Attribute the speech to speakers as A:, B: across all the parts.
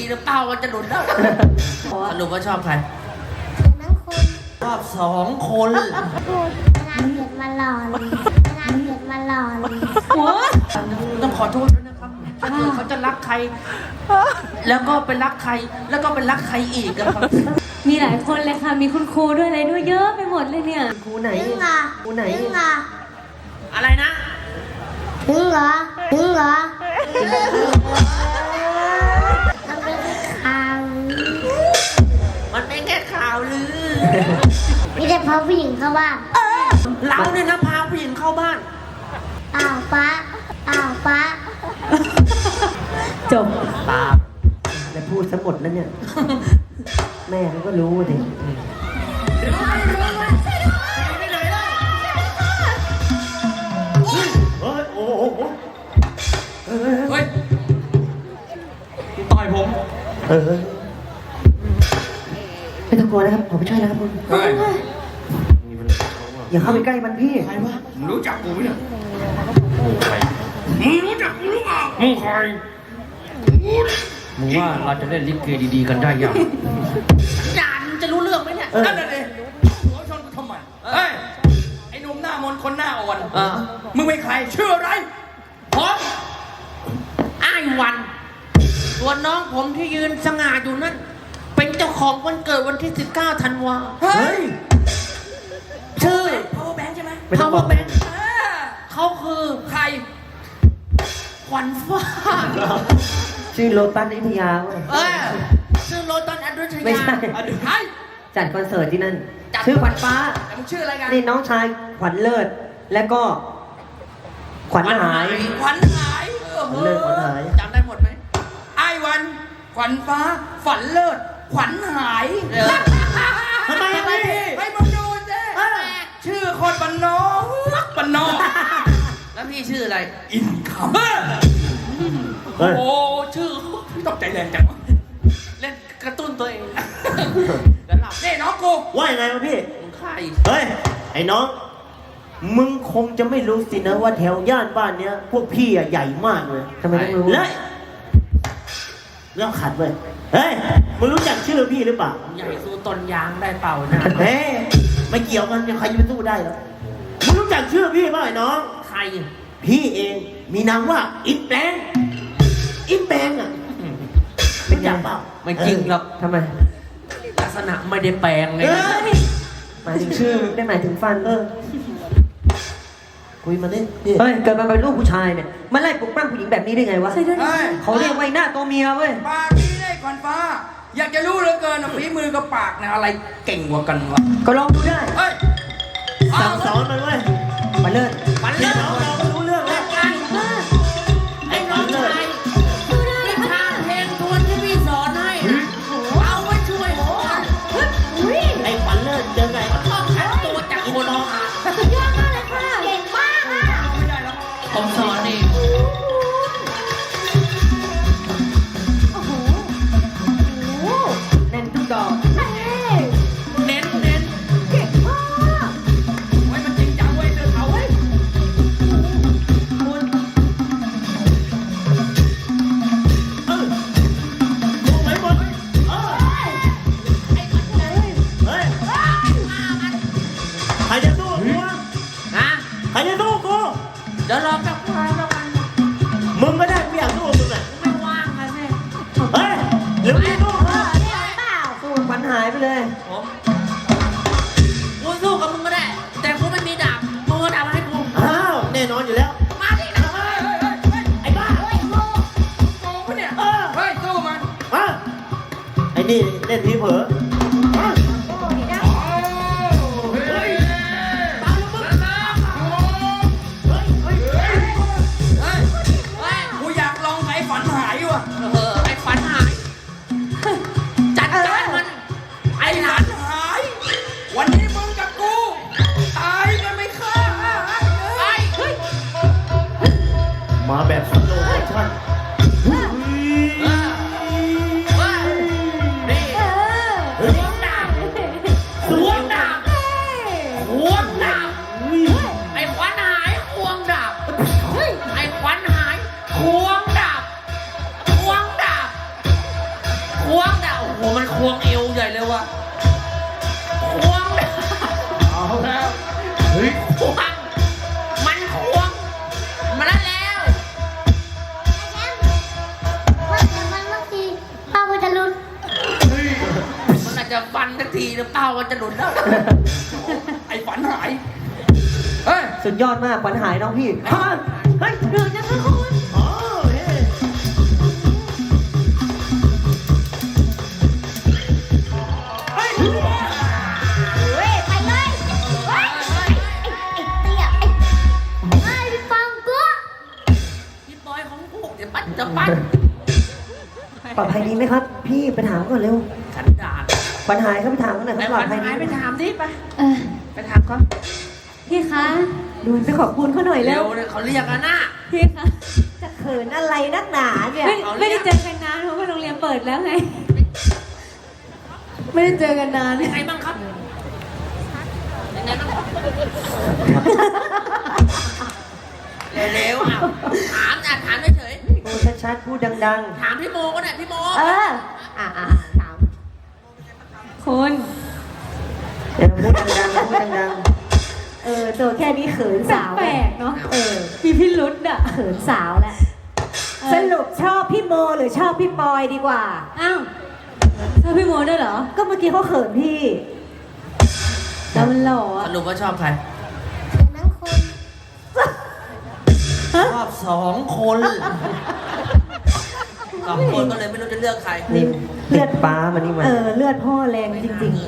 A: นะเป้ามันจะหลุดแล้วสรุปว่าชอบใคร
B: ทั้งคน
A: ชอบ2 คน
B: พูดงานเกิดมาหล่อเลยงานเกิดมาหล่อเลย
A: ต้องขอโทษด้วยนะครับถ้าเกิดเขาจะรักใคร แล้วก็ไปรักใคร แล้วก็ไปรักใครอีกอะครับ
C: มีหลายคนเลยค่ะ มีคุณครูด้วยอะไรด้วยเยอะไปหมดเลยเนี่ย
D: ครูไหน
B: ถึงเหรอ
D: ครูไหน
B: ถึงเหรอ
A: อะไรนะ
B: ถึงเหรอถึงเหรอมันเป็นข่าว
A: มันเป็นแค่ข่าวลือ
B: มีแต่พาผู้หญิงเข้าบ้าน
A: เราเนี่ยนะพาผู้หญิงเข้าบ้าน
B: อ้าวป้าอ้าวป้า
C: จบ
A: ตา
D: แล้วพูดซะหมดแล้วเนี่ย แม่เขาก็รู้ดิ
E: เฮ้ยโอ้โห
A: เฮ้ยต่อยผม
D: เออไม่ต้องกลัวนะครับผมไปช่วยนะครับคุณ
E: เฮ้ย
D: อย่าเข้าไปใกล้มันพี่
E: ใครวะมึงรู้จักกูไหมเนี่ยมึงรู้จักกูหรือเปล่ามึงใคร
A: มึงว่าเราจะเล่นลิเกดีๆกันได้ยังจานจะรู้เรื่องไหมเนี่ย
E: นั่นน่ะดิหัวชนกูทำไมเฮ้ยไอ้หนุ่มหน้ามนต์คนหน้าอ่อน มึงเป็นใครชื่ออะไร
A: ผมอ้ายวันส่วนน้องผมที่ยืนสง่าอยู่นั่น เป็นเจ้าของวันเกิดวันที่ 19 ธันวา
E: เฮ้ย
A: ชื่อ
E: power bank ใช่ไหม
D: ไม่ต้องบอ
A: Power
D: ก
A: Bank เขาคือ
E: ใคร
A: ขวัญฟ้า
D: ชื่อโลตัสอยุธยาเว้ย
A: ชื่อโรตันอันดุช
D: ไม่
A: ยา
D: ใช่
E: ใคร
D: จัดคอนเสิร์ตที่นั่น
A: จัด
D: ชื่อขวัญฟ้า
E: แต่มึงชื่ออะไรกัน
D: นี่น้องชายขวัญเลิศ และก็ ขวัญหาย
E: ขวัญหายโอ้โห
D: เลิศขวัญหาย
A: จำได้หมดไหม
E: ไอ้วัน ขวัญฟ้า ฝันเลิศ ขวัญหาย
A: ทำไมพี่
E: ให้มึงดูสิชื่อคนบ้านนอกบ้านนอก
A: แล้วพี่ชื่ออะไร
E: อินคัม
D: เฮ้ย
E: โอ้ชื่อตกใจแรงจังวะ
A: เล่นกระตุ้นตัวเองแล้วหลับ
E: นี่น้องกู
D: ว่ายังไงวะพี่
A: มึงใคร
D: เฮ้ย ไอ้น้อง มึงคงจะไม่รู้สินะว่าแถวย่านบ้านเนี้ย พวกพี่อะใหญ่มากเลยทำไมต้องรู้และเรื่องขัดเว้ย เฮ้ย มึงรู้จักชื่อพี่หรือเปล่า
A: ใหญ่สู้ต้นยางได้เปล่านะ
D: เฮ้ย ไม่เกี่ยวกันใครจะไปสู้ได้หรอมึงรู้จักชื่อพี่ป่ะไอ้น้อง
A: ใคร
D: พี่เองมีนามว่าอินแปลงอินแปลงอ่ะเป็นอย่างเปล่า
A: ไม่จริงหรอก
D: ทำไม
A: ลักษณะไม่ได้แปลงไง
D: หมายถึงชื่อได้หมายถึงฟันคุยมาดิเฮ้ยเกิดมาเป็นลูกผู้ชายเนี่ยมันไล่ปลุกปล้ำผู้หญิงแบบนี้ได้ไงวะ
E: เฮ้ย
D: เขาเรียกว่าไอ้หน้าตัวเมียเว้ย
E: ปากนี้ได้ขวัญฟ้า อยากจะรู้เหลือเกินนะฝีมือกับปากเนี่ยอะไรเก่งกว่ากันวะ
D: ก็ลองดูได้
E: เฮ้ย
D: สั่งสอนมันเว้ยมาเลิศ
A: ฝันเลิศ
D: เรารู้เรื่องแล้ว
A: ไอ้น้องชายวิชาเพลงทวนที่พี่สอนให้เอาไว้ช่วยผม
D: ไอ้ขวัญเลิศเจอไง
A: ชอบขัดตัวจากคน
B: สุดยอดมากเลยค่ะเก่งมากอ่ะ
A: ผมสอนเอง
D: แน่นทุกดอก
A: เน้น
B: เก่งมาก
E: ไว้มันจริงจังเว้ยเดินเขาเว้ย
D: รู้ไหมหมดเฮ้ยใครจะสู้กูวะ
A: ฮะ
D: ใครจะสู้กู
A: เดี๋ยวรอแป๊บนึงแล้วกัน
D: มึงก็ได้ไม่อยากสู้มึงอ่ะ
A: ไม่ว่างอะสิ
D: เฮ้ยเดี๋ยวมึงสู้
B: เก่งเปล่า
D: สู้ขวัญหายไปเลย
A: ผมกูสู้กับมึงก็ได้ แต่กูไม่มีดาบมึงเอาดาบมาให้กู
D: อ้าว แน่นอนอยู่แล้ว
A: มาดินะ
D: ไอ้บ้า
B: เฮ้ยโม
E: โกงปะเนี่ย เฮ้ยสู้มัน
D: มาไอ้นี่เล่นทีเผลอมา
B: โอ้ยนะ
E: เฮ้ยกูอยากลองไอ้ฝันหายว่ะ
A: ไอ้ฝันหาย จัดการมัน
E: ไอ้หลานหาย วันนี้มึงกับกู ตายกันไม่ฆ่า
A: ไอ้เฮ้ย
D: มาแบบสโลว์โมชั่น
A: นี่
B: เออ
A: โหมันควงเอวใหญ่เลยว่ะควง
E: เอาแล้วเฮ้ย
A: ควงมันควงมาแล้วแล้ว
B: ว่าแต่มันบางทีป้าก็จะลุ้น
A: มันอาจจะฟันสักทีหรือเปล่ามันจะหลุดแล้ว
E: ไอ้ฝันหายเฮ้ย
D: สุดยอดมากขวัญหายน้องพี่เฮ้ย
C: เดินนะคะคุณ
D: อ๋อเฮ้ย
B: เฮ้ยไปเลยเฮ้ยไอ้เตี้ยไอ้พี่ฟังกู
A: พี่บอยของพวกเดี๋ยวปั้นจะปั้น
D: ปลอดภัยดีไหมครับ พี่ไปถามก่อนเร็ว
A: ขันดาบ
D: ขวัญหายครับไปถามกันหน่อยค
A: ไอ้
D: รับปล
A: วั
D: อน ดภัยดี
A: หายไปถามดิไป
C: เออ
A: ไปถามเขา
C: พี่คะ
D: ดูไปขอบคุณเขาหน่อย
A: เร็
D: เร็
A: ว
D: ว
A: เลยเขาเรียกกันนะ
C: พี่คะ
D: จะเขินอะไรนักหนาเนี่ย
C: ไม่ได้เจอกันนานเพราะว่าโรงเรียนเปิดแล้วไง ไม่ได้เจอกันนาน
A: ยังไงบ้างครับยังไงบ้างครับเร็วๆอ่ะถามเฉย
D: พูดชัดๆพูดดัง
A: ๆถามพี่โมก็ได้พี่โม
D: ๆ ถาม
C: คุณ
D: เดี๋ยวพูดดังๆพูดดัง
F: ตัวแค่นี้เขินสาว
C: แปลกๆเนาะ
F: ๆ
C: มีพิรุษอ่ะ
F: เขินสาวแหละสรุปชอบพี่โมหรือชอบพี่ปอยดีกว่า
C: อ้าวชอบพี่โมด้วยเหรอ
F: ก็เมื่อกี้เขาเขินพี่
C: แล้วมันหล่อ
A: ส
C: อ่ะ
A: รุปว่าชอบใคร
B: ทั้งคน
A: ชอบ2 คน2 คนก็เลยไม่รู้จะเลือกใคร
D: ๆนี่เลือดฟ้ามานี่มา
F: เลือดพ่อแรงจริง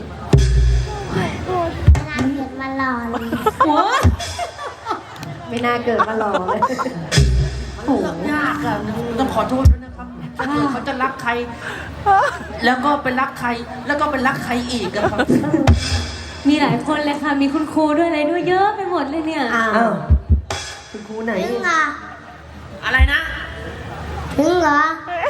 B: น่าเกลียดมาหล่อเลย
C: หัว
F: ๆ ไม่น่าเกิดมาหล่อเลย
A: โอ้ยากอ่ะต้องขอโทษด้วยนะครับถ้าเกิดเขาจะรักใคร แล้วก็ไปรักใคร แล้วก็ไปรักใครอีกอะครับ
C: มีหลายคนเลยค่ะ มีคุณครูด้วยอะไรด้วยเยอะไปหมดเลยเนี่ย
F: อ้า
D: อ้าว วคุณครูไหน
B: ถึงเหรอ
A: อะไรนะ
B: ถึงเหรอ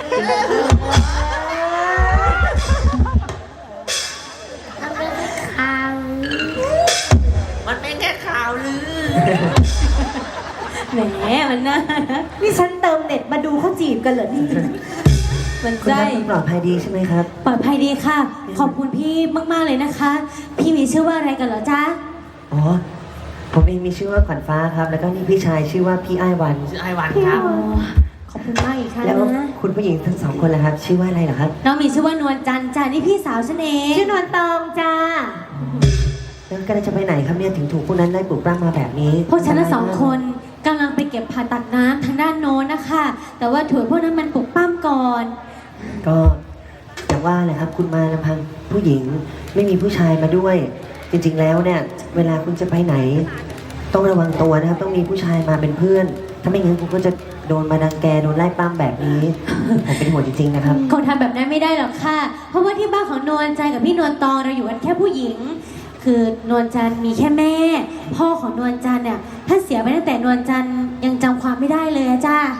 B: มันเป็นข่าว
A: มันเป็นแค่ข่าวลือ
C: แหมมันน่ารัก
F: นี่ฉันเติมเน็ตมาดูเขาจีบกันเหรอนี่
C: มัน
D: คุณ
C: ใจ
D: นัทคุณปลอดภัยดีใช่ไหมครับ
C: ปลอดภัยดีค่ะ ขอบคุณพี่มากๆเลยนะคะ พี่มีชื่อว่าอะไรกันเหรอจ๊ะ
D: อ๋อ ผมเองมีชื่อว่าขวัญฟ้าครับ แล้วก็นี่พี่ชายชื่อว่าพี่อ้ายวัน
A: ชื่อไอวันครับ
C: อ๋อขอบคุณมากอีกครั้ง
D: แล้ว
C: นะ
D: คุณผู้หญิงทั้งสองคนล่ะครับ ชื่อว่าอะไรเหรอครับ
C: น้องมีชื่อว่านวลจันทร์จ้านี่พี่สาวฉันเอง
F: ชื่อนวลตองจ้า
D: แล้วกำลังจะไปไหนครับเนี่ยถึงถูกพวกนั้นได้ปลุกปล้ำมาแบบนี้
C: พวกฉันทั้งสองคนกำลังไปเก็บผ่าตักน้ำทางด้านโน้นนะคะ แต่ว่าถั่วพวกนั้นมันปลุกปั้มก่อน
D: ก็อย่างว่าแหละครับคุณมาลำพังผู้หญิงไม่มีผู้ชายมาด้วย จริงๆแล้วเนี่ย เวลาคุณจะไปไหน ต้องระวังตัวนะครับ ต้องมีผู้ชายมาเป็นเพื่อน ถ้าไม่งั้นคุณก็จะโดนมาดังแกโดนไล่ปล้ำแบบนี้ ผมเป็นห่วงจริงๆนะครับ
C: คงทำแบบนั้นไม่ได้หรอกค่ะ เพราะว่าที่บ้านของนวลจันทร์กับพี่นวลตองเราอยู่กันแค่ผู้หญิง คือนวลจันทร์มีแค่แม่ พ่อของนวลจันทร์เนี่ยท่านเสียไปตั้งแต่นวลจันทร์ยังจำความไม่ได้เลยอะจ้า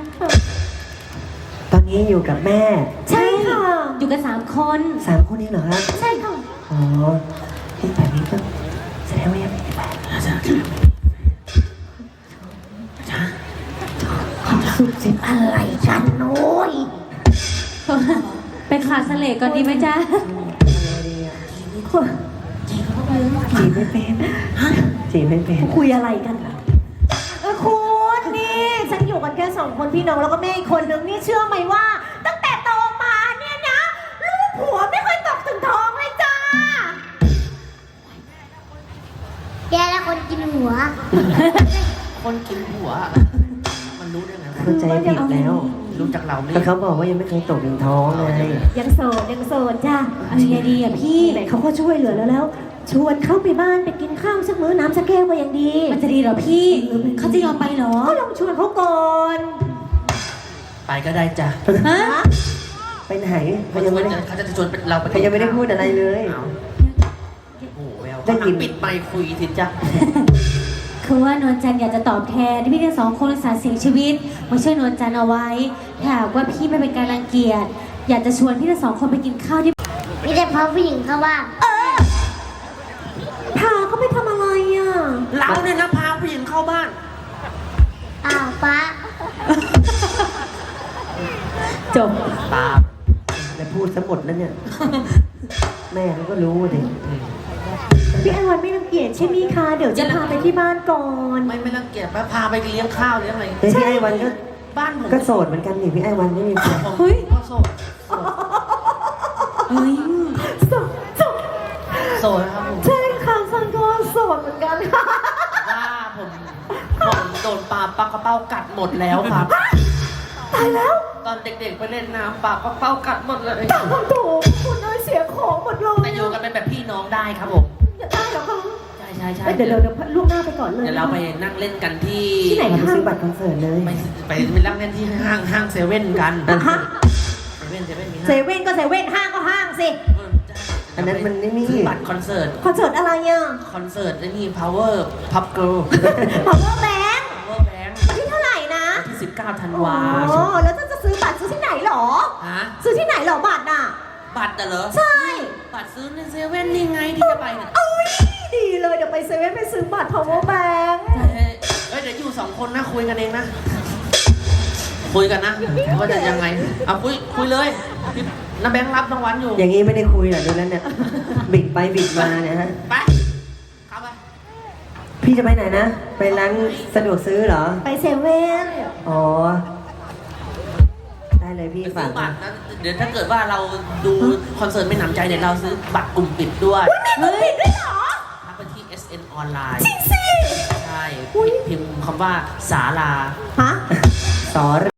D: ตอนนี้อยู่กับแม่
C: ใช่ค่ะ อยู่กัน3 คน
D: 3 คนนี้เหรอครับ
C: ใช่ค่ะ
D: อ๋อที่แบบนี้ก็แสดงว่ายังไม่ได้แฟน
F: สุดสิอะไรกันโน้ย
C: ไปขาดเสลกก่อนดีไหมจ๊ะ
D: จีบไม่เป็นจีบไม่เป็น
F: คุยอะไรกันล่ะคุณนี่ฉันอยู่กันแค่2 คนพี่น้องแล้วก็แม่อีกคนนึงนี่เชื่อไหมว่า ตั้งแต่โตมาเนี่ยนะลูกผัวไม่เคยตกถึงท้องเลยจ้า
B: แกแล้วคนกินหัว
A: คนกินหัว มันรู้ได้ไงวะ
D: เข้าใจผิดแล้ว
A: รู้จากเรานี่
D: แต่เขาบอกว่ายังไม่เคยตกถึงท้องเลย
F: ยังโสดจ้า
C: เอายังไงดีอะพี่
F: ไหนเขาก็ช่วยเหลือแล้วชวนเข้าไปบ้านไปกินข้าวสักมื้อน้ำสักแก้วก็ยังดี
C: มันจะดีเหรอพี่ เขาจะยอมไปเหรอ
F: ก็ลองชวนเขาก่อน
A: ไปก็ได้จ้ะ
C: ฮะ
D: ไปไหนเขายังไม่ได้
A: เขาจะชวนเราไป
D: เขายังไม่ได้พูดอะไรเลย
A: เอาโอ้โหแวว
D: ได้ยิน
A: ปิดไมค์คุยสิจ๊ะ
C: คือว่านวลจันทร์อยากจะตอบแทนที่พี่ทั้ง2 คนอุตส่าห์เสียชีวิตมาช่วยนวลจันทร์เอาไว้ถ้าหากว่าพี่ไม่เป็นการรังเกียจอยากจะชวนพี่ทั้ง2 คนไปกินข้าวที่
B: มีแต่พาผู้หญิงเข้าบ้าน
F: พาเขาไปทำอะไรอ่ะ
A: เราเนี่ยนะพาผู้หญิงเข้าบ้าน
B: อ้าวป้า
C: จบ
A: ตา
D: แล้วพูดซะหมดแล้วเนี่ย แม่เขาก็รู้ดิ
F: พี่ไอ้วันไม่รังเกียจใช่ไหมคะเดี๋ยวจะพาไปที่บ้านก่อน
A: ไม่รังเกียจพาไปเลี้ยงข้าวเลี้ยงอะไร
D: เฮ้ยพี่ไอ้วันก็
A: บ้านผม
D: ก็โสดเหมือนกันนี่พี่ไอ้วันไม่มีแฟน
A: เฮ้ยก็โสด
C: เฮ้ย
F: โสดโสด
A: โสดนะครับผม
F: ใช่ค่ะสันก็โสดเหมือนกันค่ะ
A: ว่าผมโดนปลาปักกระเป้ากัดหมดแล้วครับ
F: ตายแล้ว
A: ตอนเด็กๆไปเล่นน้ำปลาปักกระเป้ากัดหมดเลย
F: ตามถูกคุณน้อยเสียของหมดเลย
A: แต่อยู่กันเป็นแบบพี่น้องได้ครับผม
F: อย่าได้หรอกค่ะ
A: ใช่
F: เดี๋ยวลูกหน้าไปก่อนเลย
A: เดี๋ยวเราไปนั่งเล่นกันที่
F: ที่ไหน
D: ไปซื้อบัตรคอนเสิร์ตเลย
A: ไปนั่งเล่นที่ห้างเซเว่นกัน
F: ฮะ
A: เซเว่นมี
F: เซเว่นก็เซเว่นห้างก็ห้างสิ
D: อันนั้นมันไม่มี
A: ซื้อบัตรคอนเสิร์ต
F: คอนเสิร์ตอะไรอ่ะ
A: คอนเสิร์ตนี่ Power Pop Girl
F: Power Bank
A: Power Bank
F: ที่เท่าไหร่นะ
A: ที่19 ธัน
F: อ๋
A: วา
F: อแล้วจะซื้อบัตรซื้อที่ไหนหรอ
A: ฮะ
F: ซื้อที่ไหนหรอบัตรอ่ะ
A: บัตรเหรอ
F: ใช่
A: บัตรซื้อในเซเว่นนี่ไงที่จะไปเนี่ย
F: เอ้ยดีเลยเดี๋ยวไปเซเว่นไปซื้อบัตร Power Bank
A: เดี๋ยวอยู่2 คนนะคุยกันเองนะ คุยกันนะว่าจะยังไงเอาคุยเลยพี่น้าแบงค์รับรางวัลอยู่
D: อย่างนี้ไม่ได้คุยเหรอดูแล้วเนี่ย บิดไปบิดมาเนี่ยฮะ
A: ไปเข้าไป
D: พี่จะไปไหนนะ ไปร้านสะดวกซื้อเหรอ
F: ไปเซเว่น
D: อ๋อ ได้เลยพี่
A: ไป
D: ฝา
A: ซื้
D: ก
A: อบัตรนะเดี๋ยวถ้าเกิดว่าเราดูคอนเสิร์ตไม่หนำใจเนี่ยเราซื้อบัตรกลุ่มปิดด้วย
F: เฮ้ยด้วยเหรอ
A: ทักไปที่ SN ออนไลน์
F: จริงสิ
A: ใช่พิมพ์คำว่าศาลา
F: ฮะ
D: สอ